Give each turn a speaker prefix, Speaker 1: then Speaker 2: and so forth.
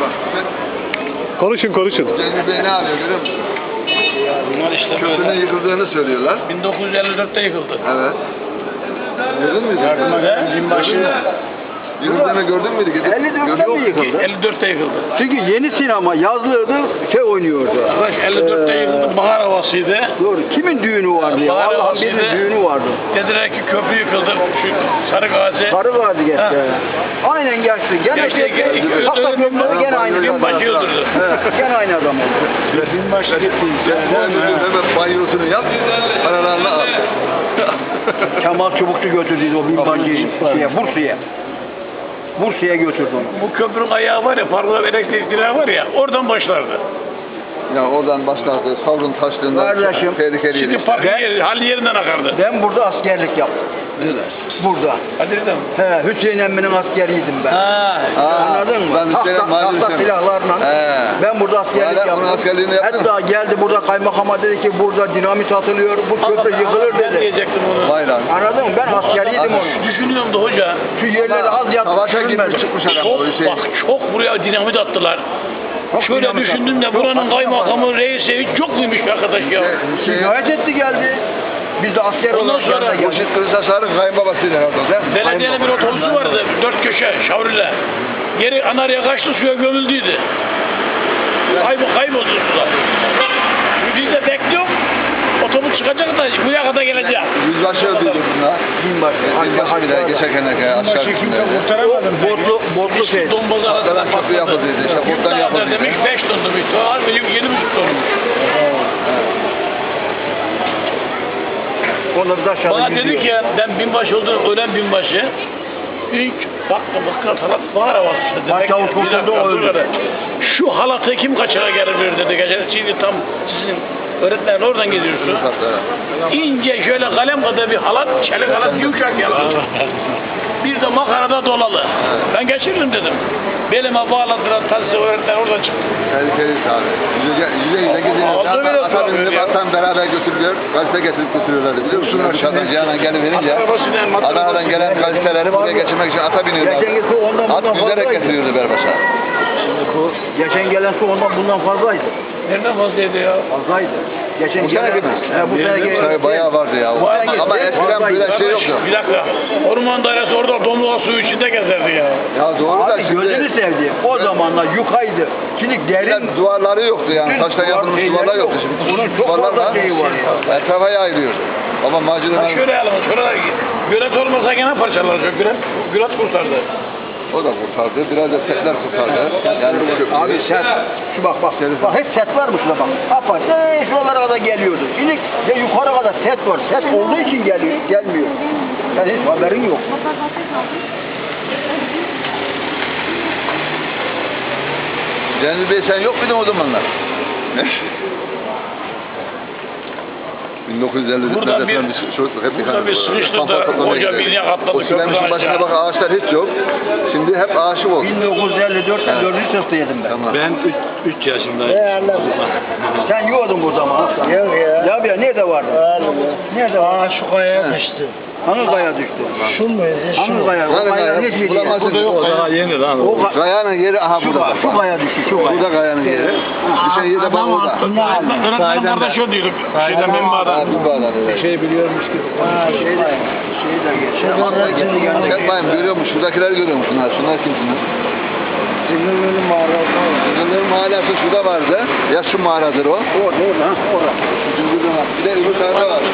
Speaker 1: Konuşun.
Speaker 2: Cemil Bey ne yapıyor görüyor musun?
Speaker 3: Bunlar işte
Speaker 2: Köprünün yıkıldığını söylüyorlar.
Speaker 3: 1954'te yıkıldı.
Speaker 2: Evet. Gördün mü?
Speaker 3: Yardıma gelen binbaşı
Speaker 2: Yıkıldığını gördün müydü?
Speaker 4: 54'te mi yıkıldı?
Speaker 3: 54'te yıkıldı.
Speaker 4: Çünkü yeni sinema yazlıydı, oynuyordu.
Speaker 3: Arkadaş 54'te yıkıldı. Bahar havasıydı.
Speaker 4: Doğru. Kimin düğünü vardı ya?
Speaker 3: Bahar
Speaker 4: Allah'ın birinin
Speaker 3: havasıydı.
Speaker 4: düğünü vardı.
Speaker 3: Dediler ki köprü yıkıldı. Şu Sarı Gazi.
Speaker 4: Sarı vardı geçti.
Speaker 3: Ha.
Speaker 4: Aynen geçti. Gene
Speaker 3: Geçti.
Speaker 4: Hatta köprüde gene aynı.
Speaker 3: Binbaşı öldürdü.
Speaker 4: Gene aynı adam oldu.
Speaker 3: Binbaşı gitti.
Speaker 2: Hemen banyosunu yap, paralarını al.
Speaker 4: Kemal Çubukçu götürdüydü o binbaşıyı Bursa'ya. Bursa'ya götürdü onu.
Speaker 3: Bu köprünün ayağı var ya, parla elektrik direği var ya, oradan başlardı.
Speaker 2: Ya oradan başlardı, savrun taştığında
Speaker 4: Kardeşim,
Speaker 2: tehlikeliydi.
Speaker 3: Şimdi parkın hali yerinden akardı.
Speaker 4: Ben burada askerlik yaptım. Burada.
Speaker 3: Hadi dedim.
Speaker 4: He, Hüseyin emminin askeriydim ben. Anladın mı?
Speaker 2: Ben Hüseyin'in
Speaker 4: Tahta silahlarla. Ben burada askerlik
Speaker 2: Hala bunun
Speaker 4: yaptım.
Speaker 2: askerliğini yaptın
Speaker 4: Hatta geldi burada kaymakama dedi ki burada dinamit atılıyor, bu köprü yıkılır
Speaker 3: Ben
Speaker 4: dedi.
Speaker 3: diyecektim onu.
Speaker 2: Vay lan.
Speaker 4: Anladın mı? Ben askeriydim onu.
Speaker 3: Düşünüyorum da hoca.
Speaker 4: Şu yerleri az
Speaker 2: Savaşa
Speaker 4: yatıp
Speaker 2: gitmiş çıkmış adam o Hüseyin.
Speaker 3: Çok buraya dinamit attılar. Şöyle
Speaker 4: dinamit
Speaker 3: düşündüm de
Speaker 4: attılar.
Speaker 3: buranın
Speaker 4: Çok
Speaker 3: kaymakamı reisi çok muymuş arkadaş ya.
Speaker 4: Şikayet etti geldi. Biz de asker
Speaker 3: Ondan
Speaker 4: olarak
Speaker 3: sonra
Speaker 4: yanına geldik.
Speaker 2: Boşit Kılıçdaroğlu'nun kayınbabasıydı herhalde.
Speaker 3: Belediyenin bir otobüsü vardı, 4 köşe, şavriyle. Geri Anarya kaçtı, suya gömüldüydü. Kayboldu sular. Biz de bekliyoruz, otobüs çıkacak da bu yakada gelecek.
Speaker 2: Yüzbaşı öldüydü bunlar. Yüzbaşı bir de geçerken aşağı düştüler.
Speaker 4: O botlu şey.
Speaker 3: Dombozu aradan
Speaker 2: Arkadan köprü yapıldıydı, işte buradan yapıldıydı.
Speaker 3: Demiş 5 ton demiş, doğal benim 7,5 tonmuş.
Speaker 4: Onları da aşağıda
Speaker 3: Bana dedi
Speaker 4: gidiyor.
Speaker 3: ki ben binbaşı oldum, ölen binbaşı. İlk baktım halat bahar havası.
Speaker 4: Başçavuş kurtuldu, o öldü.
Speaker 3: Şu halatı kim kaçıra gelebilir dedi. Geçen şimdi tam sizin öğretmen oradan gidiyorsun. İnce şöyle kalem kadar bir halat, çelik halat yumuşak yalan. Bir de makarada dolalı. Ben geçiririm dedim. Belime bağladılar, taksi öğretmen oradan çıktı.
Speaker 2: Tehlikeli abi. Yüze gidiyor. Ata bindim, atan beraber götürülüyor. Gazete getirip götürüyorlardı biliyor musun? Dışarıdan Cihan'a gelince Adana'dan gelen gazeteleri buraya geçirmek için ata biniyorlardı. At yüzerek getiriyordu Berbaş'a.
Speaker 4: Geçen gelen su ondan bundan fazlaydı.
Speaker 3: Nereden fazlaydı ya?
Speaker 4: Fazlaydı. Geçen
Speaker 2: Bu sene gibi.
Speaker 4: Bu sene gelen.
Speaker 2: Bayağı vardı ya. Ama eskiden böyle şey yoktu.
Speaker 3: Bir dakika. Orman dairesi orada domluğa suyu içinde gezerdi ya.
Speaker 2: Ya doğru da
Speaker 4: Abi gözünü
Speaker 2: şimdi
Speaker 4: sevdiğim o zamanlar yukaydı. Şimdi derin
Speaker 2: duvarları yoktu yani. Taştan yapılmış duvarlar yoktu.
Speaker 4: Bunun
Speaker 2: Şimdi
Speaker 4: çok fazla
Speaker 2: duvarlarla
Speaker 4: şeyi var ya.
Speaker 2: etrafa yayılıyor. Ama macunlar
Speaker 3: Şöyle yapalım. Şurada gölet olmasa gene parçalanacak. Gölet kurtardı.
Speaker 2: o da kurtardı. Biraz da setler kurtardı. Yani bu köprüyü.
Speaker 4: Abi set, şu bak hep set var mı şurada bak. Apa, şuralara kadar geliyordu. Şimdi ya yukarı kadar set var. Set olduğu için gelmiyor. Sen hiç haberin yok.
Speaker 2: Cemil Bey sen yok muydun o zamanlar? 1950'de
Speaker 3: Burada bir sıkıştırdı. Hoca bir atladı.
Speaker 2: O Süleyman'ın başına bak ağaçlar hiç yok. Şimdi hep aşık oldu.
Speaker 4: 1954'te 4. sınıftaydım ben.
Speaker 2: Tamam.
Speaker 3: Ben 3 yaşındayım.
Speaker 4: Sen yiyordun bu zaman aslan. Yok ya. Ya nerede vardı? Nerede vardı?
Speaker 3: Şu kayaya düştü.
Speaker 4: Hangi kaya düştü?
Speaker 3: Şu muydu?
Speaker 4: Hangi kaya? O kaya ne diye?
Speaker 2: Bulamazsın.
Speaker 3: Daha yeni lan.
Speaker 2: Kayanın yeri aha burada.
Speaker 4: Şu kaya düştü, şu kaya.
Speaker 2: Burada kayanın yeri. Düşen yeri de bak burada.
Speaker 3: Öğretmenim kardeş o diyorduk. Şeyden benim adam.
Speaker 2: Bir bağlar öyle.
Speaker 4: Şey biliyormuş gibi. Şeyden geçti.
Speaker 2: Sen bayım görüyor musun? Şuradakileri görüyor musun? Şunlar kimsiniz?
Speaker 4: Zingirli mağarası.
Speaker 2: Zingirli mağarası şurada vardı. Ya şu mağaradır o.
Speaker 4: Orada.
Speaker 2: Bir de öbür tarafta var.